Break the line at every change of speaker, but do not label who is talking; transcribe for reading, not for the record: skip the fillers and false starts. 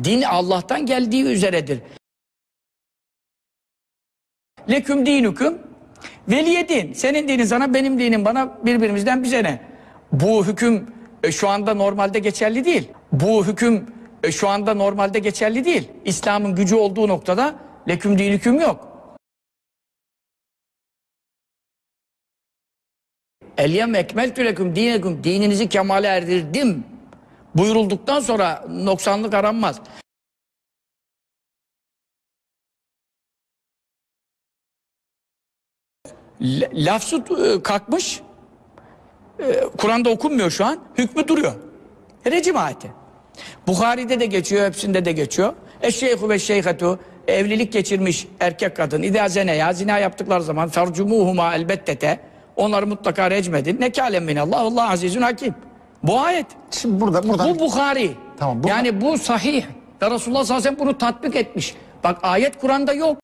Din Allah'tan geldiği üzeredir. Leküm dinüküm veliye din. Senin dinin sana, benim dinim bana, birbirimizden bize ne? Bu hüküm şu anda normalde geçerli değil. Bu hüküm şu anda normalde geçerli değil. İslam'ın gücü olduğu noktada leküm dinüküm yok. Elyem ekmeltü leküm dineküm, dininizi kemale erdirdim buyurulduktan sonra noksanlık aranmaz. Lafzı kalkmış, Kur'an'da okunmuyor şu an, hükmü duruyor. Recim ayeti. Buhari'de de geçiyor, hepsinde de geçiyor. Eşşeyhu ve şeyhetu, evlilik geçirmiş erkek kadın, İdâ zeneya, zina yaptıkları zaman fercumuhuma elbettete, onları mutlaka recmedin. Nekâlem minallah, Allah azizun hakim. Bu ayet.
Şimdi buradan...
Bu Buhari.
Tamam,
yani bu sahih. Ve Resulullah sallallahu aleyhi ve sellem bunu tatbik etmiş. Bak ayet Kur'an'da yok.